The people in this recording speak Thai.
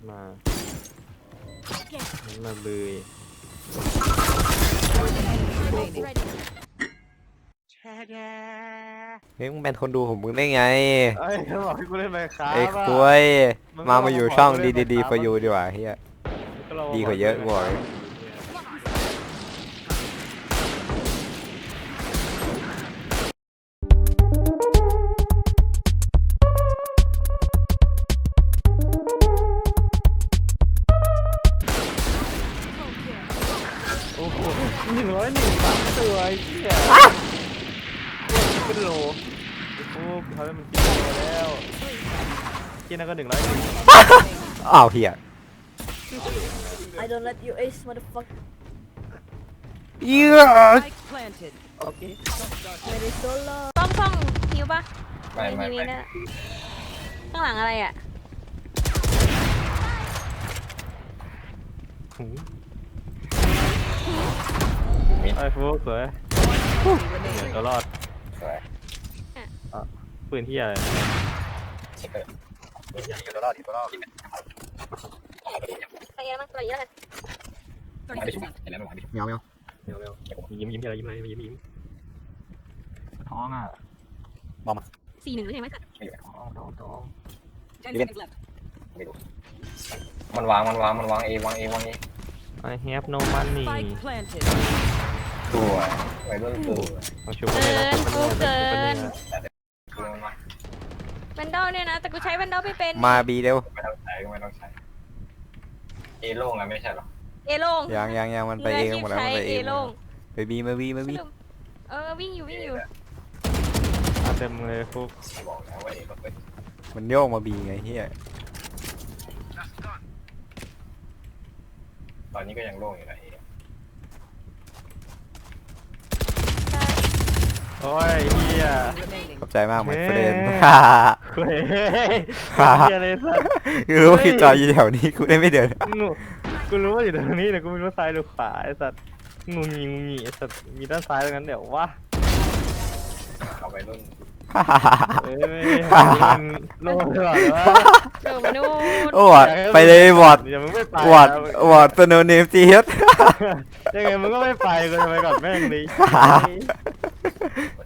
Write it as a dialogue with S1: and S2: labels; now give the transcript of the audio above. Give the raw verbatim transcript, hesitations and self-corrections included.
S1: มามาเลย
S2: เฮ้ยมึงเป็นคนดูของมึงได้ไง
S1: ไอ้เขาบอกให้กูเล่นไมค์ครับ
S2: ไอ้คุยมามาอยู่ช่องดีดีดีฟอยูดีกว่าเฮียดีกว่าเยอะกว่า
S1: โอ้โหหนึ่งร้อยหนึ่งสามตัวไอ้เหี้ยเป็นโลโอ้เขาได้มันกินไปแล้วกินนั่นก็หนึ่งร้อยหนึ่ง
S2: อ้าวเฮีย
S3: I don't let you ace motherfucker
S2: เหี้ย
S1: โอเค
S3: Very solo
S4: ซ่อมซ่อมหิวปะ
S5: ไม่ไม่
S4: ที
S5: ไม่
S4: นี้นะข้างหลังอะไรอ่ะ
S1: ไอ้ฟุกสวยเดี๋ยวก็รอด
S5: สวย
S1: ปืนที่อะไร
S5: เช็คเลยอยู่ตัวรอดอยู่ตัวรอด
S4: ไปเยอะมากไปเยอะเลย
S5: ไม่ได้ชุบเห็นแล้วไม่ไหวไม่ชุบ
S2: เมียวเมียว
S1: เดี๋ยวเดี๋ยวยิ้มยิ้มอะไรยิ้มอะไรยิ้มยิ้มท้องอ่ะ
S2: บอมมา
S4: สี่หนึ่งหรือยังไม่สัก
S5: ไม่อยู่
S1: ท้องท้องท้อง
S5: ไม่รู้มันวางมันวางมันวางเอวางเอวางเอ
S1: ไอ้ have no money
S5: ตัวไว้รุ่นตัว
S1: ต้องชุบกันเลยนะชุบกันเลยนะ
S5: ตัวมา
S4: แวนดอลเนี่ยนะแต่กูใช้แวนดอลไม่เป็น
S2: มาบีเร็ว
S5: ไม่ต้องใช้ก็ไม่ต้องใช้เอโล่งอะไม่ใช่หรอ
S4: เอโล่ง
S2: ยังยังยังมันไปเองหมดแล้วมันไปเอง
S4: โล่ง
S2: ไปบีมาบีมาบี
S4: เออวิ่งอยู่วิ่งอยู่
S1: เต็มเลยฟุก
S5: บอกแล้วว่าเอก็เป็น
S2: มันโยกมาบีไงเฮีย
S5: ตอนนี้ก็ยังโล่งอยู่นะเอ
S1: โอ้ยเฮีย
S2: ขอบใจมากเหมือนเฟรน
S1: เฮ้ยเฮียเลยสัส
S2: คือรู้ว่าคิดจอยอยู่แถวนี้กูได้ไม่เดิน
S1: งูกูรู้ว่าอยู่ตรงนี้แต่กูไม่รู้ซ้ายหรือขวาไอ้สัสงูงีงูงีไอ้สัสมีด้านซ้ายตรงนั้นเดี๋ยววะ
S5: เอาไปรุ่น
S1: เอ้ยมันโล่งตลอดวะ
S4: เออมานู่น
S2: โอ้ยไปเลยบอด
S1: อย่ามึงไม่ไป
S2: บอดบอดตัวโนเนมจีเฮด
S1: ยังไงมึงก็ไม่ไปกูจะไปก่อนแม่งดิ